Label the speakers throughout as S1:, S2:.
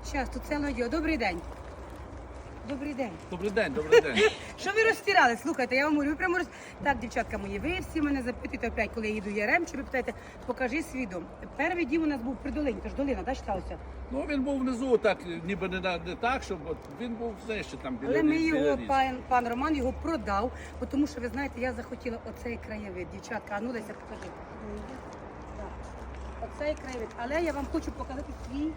S1: Щас, тут ціле відео. Добрий день. Добрий день.
S2: Добрий день, добрий день.
S1: Що ви розтирали? Слухайте, я вам говорю, ви прямо Так, дівчатка мої, ви всі мене запитуєте опять, коли я їду в Яремче, ви питаєте, покажи свій дом. Перший дім у нас був при долині, тож долина, да, читалося?
S2: Ну він був внизу, так, ніби не так, щоб от, він був нижче там біля
S1: Але ми
S2: біля
S1: його,
S2: річки.
S1: пан Роман його продав, тому що, ви знаєте, я захотіла оцей краєвид. Дівчатка, а ну Леся, покажи. Так. Оцей краєвид. Але я вам хочу показати свій,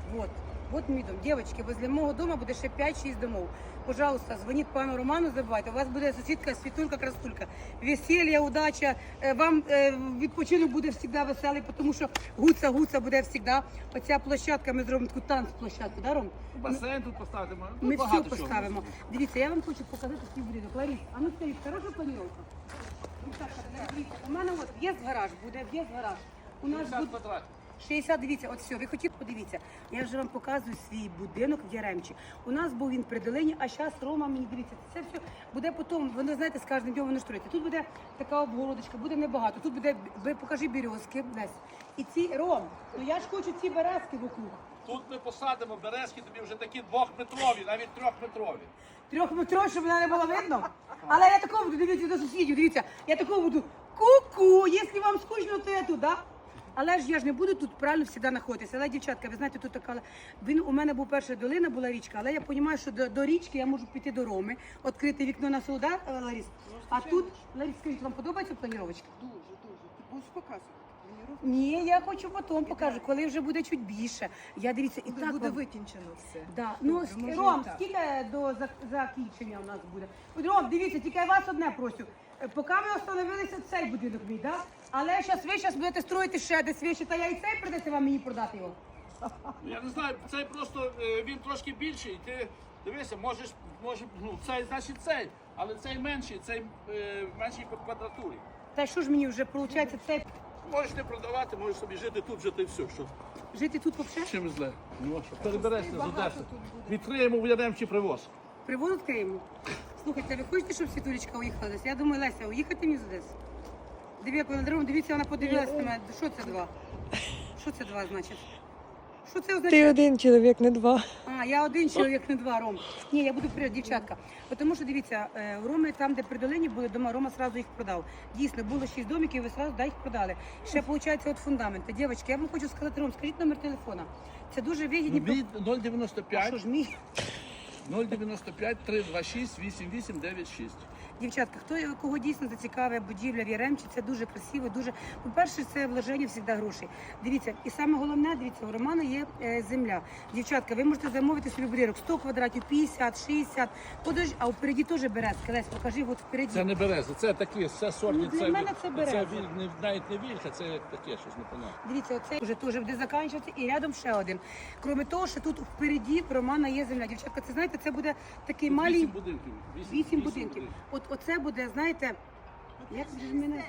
S1: вот мій дом. Дівчатки, возле мого дому буде ще 5-6 домов. Пожалуйста, дзвоніть пану Роману, забувайте. У вас буде сусідка, світулька, красулька. Весілля, удача. Вам відпочинок буде завжди веселий, тому що гуца буде завжди. Оця площадка, ми зробимо таку танцплощадку, да, Ром?
S2: Басейн тут поставимо.
S1: Ми все
S2: багато чого.
S1: поставимо. Дивіться, я вам хочу показати свій будинок. Ларіс, а ну скажіть, хороша планіровка? Дивіться, у мене от в'їзд-гараж буде, в'їзд-гараж. У нас
S2: 50
S1: буде...
S2: квадратів.
S1: 60, дивіться, от все, ви хотіли, подивіться. Я вже вам показую свій будинок в Яремчі. У нас був він при долині, а зараз Рома мені, дивіться, це все буде потім, воно, знаєте, з кожним днем воно штрується. Тут буде така обгородочка, буде небагато. Тут буде, покажи березки, десь. І ці, Ром, ну я ж хочу ці березки вокруг.
S2: Тут ми посадимо березки, тобі вже такі 2-метрові, навіть 3-метрові.
S1: 3-метрові, щоб мене не було видно. Але я такого буду, дивіться до сусідів, дивіться, я такого буду, ку-ку, якщо вам скучно, то я тут, да? Але ж я ж не буду тут правильно завжди знаходитися. Але, дівчатка, ви знаєте, тут така, у мене був перша долина, була річка, але я розумію, що до річки я можу піти до Роми, відкрити вікно на суда, Ларіс. А тут, Ларіс, скажіть, вам подобається планіровочка?
S3: Дуже. Ти будеш показувати?
S1: Ні, я хочу потім покажу, коли вже буде чуть більше. Я дивіться, і
S3: Тут
S1: так
S3: буде
S1: вам-
S3: витінчено все.
S1: Да. Ну,
S3: Добре, може,
S1: Ром,
S3: і так.
S1: скільки до закінчення у нас буде? От, Ром, дивіться, тільки я вас одне просю. Поки ви остановилися, цей будинок мій, да? Але ви зараз будете строїти ще десь вище, та я і цей придеться вам мені продати його.
S2: Я не знаю, цей просто, він трошки більший, ти дивися, ну цей, значить цей, але цей менший, цей менший по квадратурі.
S1: Та що ж мені вже виходить, цей
S2: Можеш не продавати, можеш собі жити тут, жити все, що
S1: жити тут взагалі?
S2: чим зле. Ну, що переберешся з
S3: багато
S2: Одеси.
S3: тут буде.
S2: Відкриємо в Яремчі привоз.
S1: Привоз відкриємо. Слухайте, ви хочете, щоб Світулечка уїхала десь? Я думаю, Леся, уїхати мені з Одеси. Дивіться, вона подивилася на мене. Що це два? Що це два, значить? Що це означає?
S4: Ти один чоловік, не два.
S1: А, я один чоловік, не два, Ром. Ні, я буду вперед, дівчатка. Тому що, дивіться, у Роми, там, де при долині були дома, Рома одразу їх продав. Дійсно, було 6 домиків, і ви одразу їх продали. Ще, виходить, от фундамент. Дівчатки, я вам хочу сказати, Ром, скажіть номер телефона. Це дуже вигідні...
S2: Від
S1: А
S2: 095
S1: що ж мій?
S2: 095 326 8896.
S1: Дівчатка, кого дійсно зацікавує будівля в Яремчі, це дуже красиво, дуже... По-перше, це вложення завжди грошей. Дивіться, і саме головне, дивіться, у Романа є земля. Дівчатка, ви можете замовити собі будинок 100 квадратів, 50, 60, а впереді теж березки. Лесь, покажи, от впереді.
S2: Це не береза, це такі, це сорні,
S1: Ну, для мене це береза.
S2: навіть не вільха, це таке щось непонятне.
S1: Дивіться, оце вже теж буде закінчуватися, і рядом ще один. Крім того, що тут впереді в Романа є земля. Дівчатка, це знаєте, це буде такий малий...
S2: 8 будинків.
S1: 8 будинків. Оце буде, знаєте, як же мене...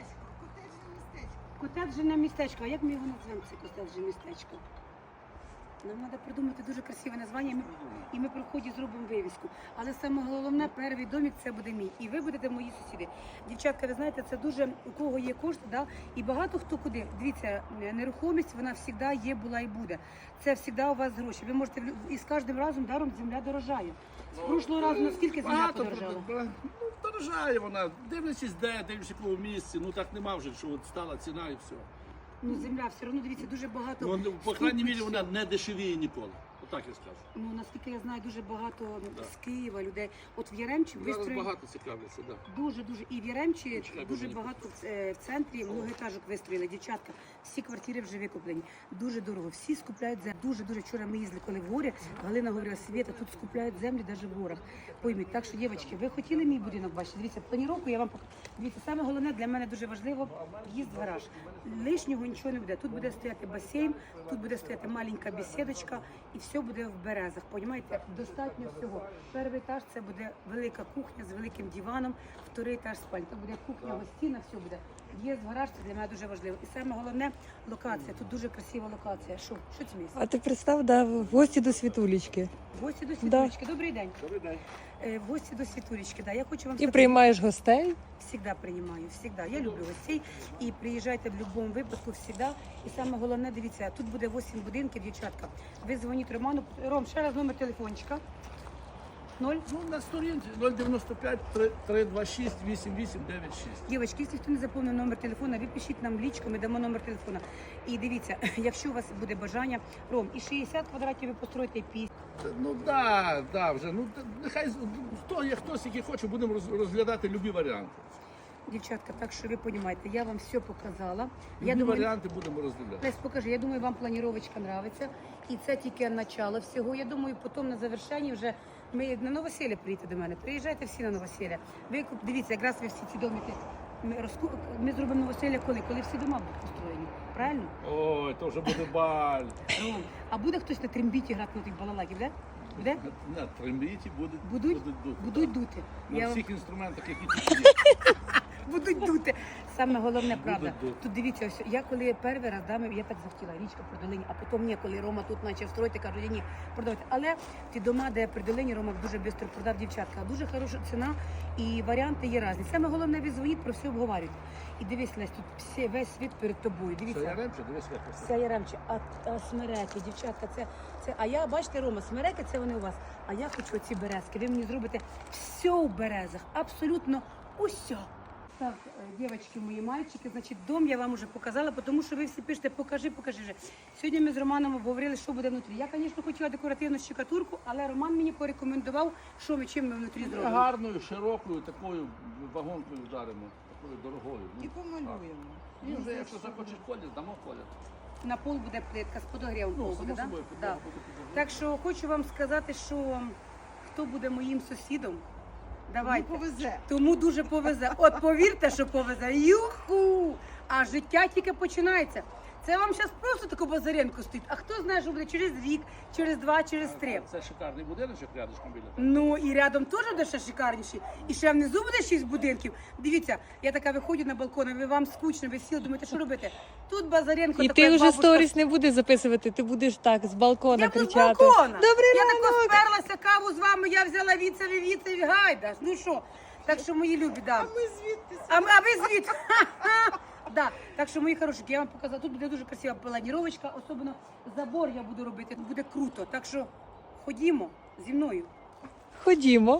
S1: Котеджне містечко. А як ми його назвемо, це котеджне містечко? Нам треба придумати дуже красиве названня, і ми при вході зробимо вивіску. Але саме головне, перший домик це буде мій. І ви будете мої сусіди. Дівчатка, ви знаєте, це дуже, у кого є кошти, да? І багато хто куди. Дивіться, нерухомість, вона завжди є, була і буде. Це завжди у вас гроші. Ви можете, і з кожним разом даром земля дорожає. З прошлого разу наскільки земля
S2: Багато
S1: подорожала?
S2: дорожає вона, дивлячись де, дивлячись в якому місці, ну так нема вже, що от стала ціна і все.
S1: Ну, земля все одно, дивіться, дуже багато.
S2: Ну, по крайній мірі
S1: ступичів.
S2: вона не дешевіє ніколи. Отак я скажу.
S1: Ну, наскільки я знаю, дуже багато з Києва людей. От в Яремчі
S2: Зараз
S1: вистроїли
S2: багато цікавляться, так.
S1: дуже. І в Яремчі
S2: Чекай,
S1: дуже
S2: будь
S1: багато в центрі многоетажок вистроїли. Дівчатка, всі квартири вже викуплені. Дуже дорого. Всі скупляють землю. Дуже. Вчора ми їздили, коли в горі. Галина говорила, Свєта, тут скупляють землю навіть в горах. Пойміть. Так що, дівчатки, ви хотіли мій будинок бачити? Дивіться, планіровку я вам покажу. Дивіться, саме головне для мене дуже важливо в'їзд в гараж. Лишнього нічого не буде. Тут буде стояти басейн, тут буде стояти маленька бесідочка і все буде в березах. Понімаєте? Достатньо всього. Перший етаж це буде велика кухня з великим диваном, вторий етаж спальня. Тут буде кухня, гостіна, все буде. В'їзд в гараж, це для мене дуже важливо. І саме головне локація. Тут дуже красива локація. Що це місце?
S4: А ти представ, да, в гості до Світулечки.
S1: В гості до Світулечки. Добрий день.
S2: Добрий день.
S1: В гості до Світулечки. Да, я хочу вам
S4: І
S1: сказати,
S4: приймаєш гостей?
S1: всегда приймаю, всегда. Я люблю гостей. І приїжджайте в будь-якому випадку всегда. І саме головне, дивіться, тут буде 8 будинків, дівчатка. Ви дзвоніть Роману. Ром, ще раз номер телефончика. 0.
S2: Ну, на сторінці 095 326 8896.
S1: Дівчатки, якщо хто не заповнив номер телефона, ви пишіть нам в лічку, ми дамо номер телефона. І дивіться, якщо у вас буде бажання, Ром, і 60 квадратів ви построїте, і 50.
S2: Ну да, вже. Ну нехай хтось, який хоче, будемо розглядати любі варіанти.
S1: Дівчатка, так що ви розумієте, я вам все показала.
S2: Любі варіанти будемо розглядати.
S1: Лесь, покажи, я думаю, вам планіровочка нравиться. І це тільки начало всього. Я думаю, потім на завершенні вже ми на новосілля приїдете до мене. Приїжджайте всі на новосілля. Ви дивіться, якраз ви всі ці домики. Ми зробимо новосілля коли всі дома будуть построєні. Правильно?
S2: Ой, то вже буде баль.
S1: А буде хтось на трембіті грати на тих балалайків, де? Буде?
S2: На трембіті
S1: Будуть
S2: дути.
S1: дути.
S2: На
S1: Я вам-
S2: всіх інструментах, які тут є.
S1: Будуть дути. Саме головне, правда.
S2: Будуть дути.
S1: Тут дивіться, ось я коли перший раз я так захотіла, річка при долині, а потім ні, коли Рома тут почав строїти, кажу, ні, продавайте. Але ті дома, де при долині, Рома дуже швидко продав, дівчатка. Дуже хороша ціна і варіанти є різні. Саме головне, ви дзвоніть, про все обговорюють. І дивись, Лесь, тут весь світ перед тобою.
S2: Це
S1: Дивіться.
S2: яремче, дивись, як це.
S1: Це яремче, а смереки, дівчатка, це. А я, бачите, Рома, смереки це вони у вас. А я хочу оці березки. Ви мені зробите все у березах, абсолютно усе. Так, дівчатки, мої мальчики, значить, дом я вам вже показала, тому що ви всі пишете, покажи. Сьогодні ми з Романом обговорили, що буде внутрі. Я, звісно, хотіла декоративну щекатурку, але Роман мені порекомендував, чим ми внутрі зробимо.
S2: Гарною, широкою, такою вагонкою вдаримо, такою дорогою.
S3: І помалюємо.
S2: І вже, якщо захочеш колір, дамо колір.
S1: На пол буде плитка з подогрівом.
S2: Ну,
S1: пол
S2: само
S1: буде, да?
S2: собою,
S1: Да.
S2: буде підлога.
S1: Так що хочу вам сказати, що хто буде моїм сусідом, давайте.
S3: Повезе.
S1: Тому дуже повезе. От повірте, що повезе. Юху! А життя тільки починається. Це вам зараз просто таку базаренку стоїть. А хто знає, що буде через рік, через 2, через 3.
S2: Це шикарний будиночок рядышком біля.
S1: Ну і рядом теж буде ще шикарніші. І ще внизу буде 6 будинків. Дивіться, я така виходжу на балкон, а ви вам скучно, ви сіли, думаєте, що робити? Тут базаренко.
S4: І
S1: така,
S4: ти
S1: як
S4: вже
S1: бабушка.
S4: сторіс не будеш записувати, ти будеш так з балкона
S1: Я буду з
S4: кричати.
S1: балкона.
S4: Добрий
S1: Я тако
S4: ранок!
S1: сперлася каву з вами, я взяла віцеві гайда. Ну що? Так що мої любі, да.
S3: Ми звідти.
S1: А ви звідти? Да. Так що, мої хорошики, я вам показала, тут буде дуже красива планіровочка, особливо забор я буду робити, буде круто. Так що ходімо зі мною.
S4: Ходімо.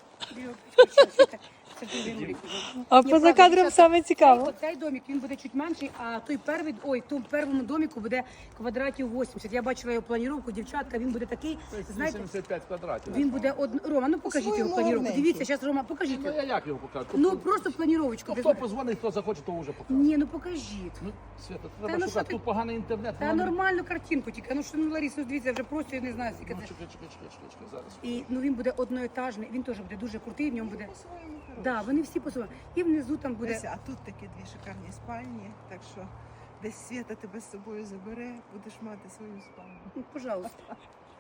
S1: Це дуже велике.
S4: А
S1: Ні,
S4: поза
S1: правда,
S4: кадром
S1: дівчата,
S4: саме цікаво.
S1: Оцей домик, він буде чуть менший, а той перший, в тому першому домику буде квадратів 80. Я бачила його планіровку, дівчатка, він буде такий, знаєте,
S2: 85 квадратів.
S1: він буде Рома, ну покажіть його
S3: По-своєму
S1: планіровку.
S3: гарненький.
S1: Дивіться, зараз Рома, покажіть
S2: Ну,
S1: його.
S2: я як його покажу?
S1: Ну просто планіровочку.
S2: Хто позвонить, хто захоче, то вже покаже.
S1: Ні, ну покажіть.
S2: Ну, Свята,
S1: ну
S2: треба
S1: що
S2: шукати.
S1: ти-
S2: Тут поганий інтернет.
S1: Та
S2: воно не-
S1: нормальну картинку тільки. Ну що, ну Лариса, дивіться, вже просто я не знаю, скільки
S2: Ну,
S1: це.
S2: чекай, зараз.
S1: І ну він буде одноетажний, він теж буде дуже крутий, в ньому буде.
S3: По-своєму хороше.
S1: Да, вони всі по-своєму. І внизу там буде.
S3: Леся, а тут такі дві шикарні спальні, так що десь Свята тебе з собою забере, будеш мати свою спальню.
S1: Ну, пожалуйста.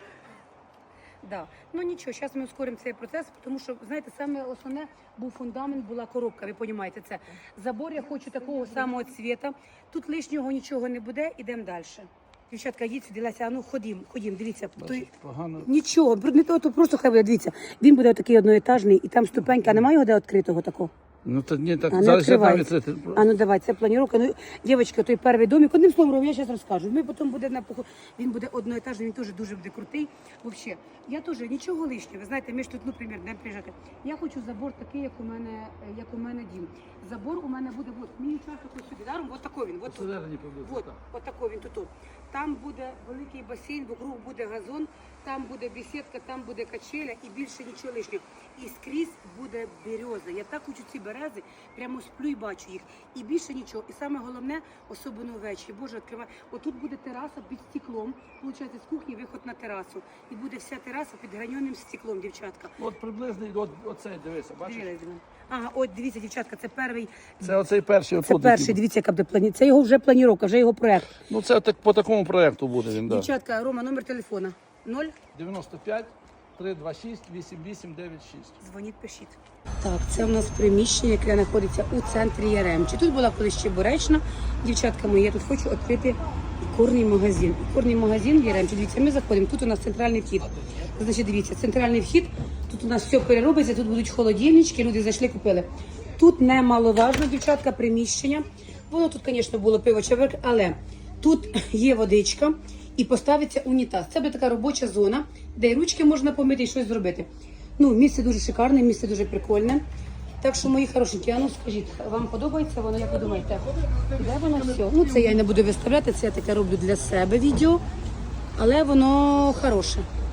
S1: Да. Ну нічого, зараз ми ускоримо цей процес, тому що, знаєте, саме основне був фундамент, була коробка, ви розумієте це. Забор я хочу такого самого цвіта. Тут лишнього нічого не буде, ідемо далі. Дівчатка, їдь сюди, Леся, а ну ходім, дивіться. Той...
S2: Погано.
S1: Нічого, не то просто хай буде, дивіться. Він буде такий одноетажний, і там ступенька, а немає його де відкритого такого?
S2: Ну, то ні, так,
S1: А, не
S2: зараз я там
S1: відкривається.
S2: відкрити.
S1: А ну давай, це планіровка. Ну, дівчатка, той перший домик, одним словом, я зараз розкажу. Ми потім буде він буде одноетажний, він теж дуже буде крутий. Взагалі, я теж нічого лишнього. Ви знаєте, ми ж тут, ну, примір, не приїжджати. Я хочу забор такий, як у мене дім. Забор у мене буде, от, мій участок ось сюди, даром, от такий він, от тут.
S2: Посередині приблизно,
S1: От,
S2: так.
S1: от такий він тут. Там буде великий басейн, вокруг буде газон, там буде бесідка, там буде качеля і більше нічого лишнього. І скрізь буде береза. Я так хочу ці берези, прямо сплю і бачу їх. І більше нічого. І саме головне, особливо ввечері. Боже, відкривай. Отут буде тераса під стеклом. Получається, з кухні виход на терасу. І буде вся тераса під граньоним стеклом, дівчатка.
S2: От приблизний, оцей, дивися, бачиш?
S1: Дивилась до мене. Ага, от дивіться, дівчатка, це перший.
S2: Це оцей перший
S1: Це
S2: отут.
S1: перший,
S2: який-
S1: дивіться, яка буде плані. Це його вже планіровка, вже його проект.
S2: Ну, це так, по такому проєкту буде він, так.
S1: Дівчатка, Рома, номер телефона. 0.
S2: 95 326 8896.
S1: Дзвоніть, пишіть. Так, це у нас приміщення, яке знаходиться у центрі Яремчі. Тут була колись Чебуречна. Дівчатка мої, я тут хочу відкрити Ікорний магазин. Ікорний магазин, Яремче, дивіться, ми заходимо. Тут у нас центральний вхід. Значить, дивіться, центральний вхід. Тут у нас все переробиться, тут будуть холодильнички, люди зайшли, купили. Тут немаловажно, дівчатка, приміщення. Воно тут, звісно, було пиво чаверк, але тут є водичка і поставиться унітаз. Це буде така робоча зона, де і ручки можна помити і щось зробити. Ну, місце дуже шикарне, місце дуже прикольне. Так що, мої хорошенькі, а ну скажіть, вам подобається воно, як ви думаєте? Де воно все? Ну, це я не буду виставляти, це я таке роблю для себе відео, але воно хороше.